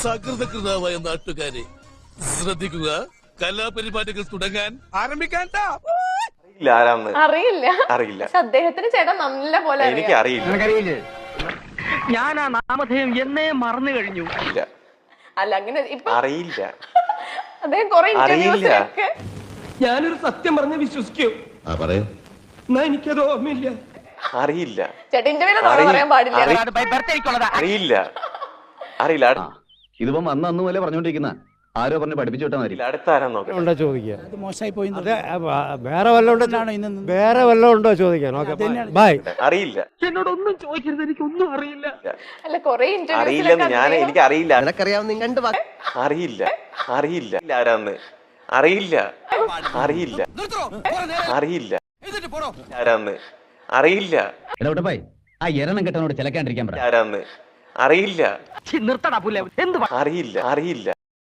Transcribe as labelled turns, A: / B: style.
A: സകൃതകൃതാവായ നാട്ടുകാരെ ശ്രദ്ധിക്കുക, കലാപരിപാടികൾ തുടങ്ങാൻ ആരംഭിക്കാൻ.
B: അറിയില്ല. പക്ഷെ അദ്ദേഹത്തിന് ചേട്ടൻ നല്ല പോലെ
C: എനിക്ക് അറിയില്ല.
D: ഞാൻ ആ നാമധേയം എന്നേ മറന്നു കഴിഞ്ഞു.
B: അല്ല അങ്ങനെ ഇപ്പൊ
C: അറിയില്ല.
B: അദ്ദേഹം കുറെ ഇന്റർവ്യൂസിലൊക്കെ
D: ഞാനൊരു സത്യം പറഞ്ഞ് വിശ്വസിക്കൂ. എന്നാ എനിക്കത് ഓർമ്മയില്ല.
C: അറിയില്ല.
B: ചേട്ടൻ ഇന്റർവ്യൂല് പറയാൻ പാടില്ല.
C: അറിയില്ല. അറിയില്ല.
E: ഇതിപ്പോ അന്ന് പോലെ പറഞ്ഞോണ്ടിരിക്കുന്ന ആരോ പറഞ്ഞ് പഠിപ്പിച്ചു വിട്ടാൽ മതി.
C: അടുത്ത ആരാ നോക്കാം.
F: ചോദിക്കുക മോശമായി പോയി. വേറെ വല്ലതും വേറെ വല്ലതും ഉണ്ടോ ചോദിക്കാൻ? ബൈ.
C: അറിയില്ല.
D: എന്നോടൊന്നും ചോദിക്കരുത്, എനിക്കൊന്നും അറിയില്ല.
B: അല്ല കുറെ
C: അറിയില്ലെന്ന് ഞാൻ എനിക്ക് അറിയില്ല.
F: നിനക്കറിയാവുന്ന
C: അറിയില്ല. അറിയില്ല. ആരാന്ന് അറിയില്ല. അറിയില്ല. അറിയില്ല. ആരാന്ന് അറിയില്ല.
E: ബൈ. ആ എരണം കെട്ടനോട് ചിലക്കാണ്ടിരിക്കാൻ പറ.
C: ആരാന്ന് അറിയില്ല.
D: നിർത്തടാ പുല്ലേ. എന്ത്
C: അറിയില്ല. അറിയില്ല.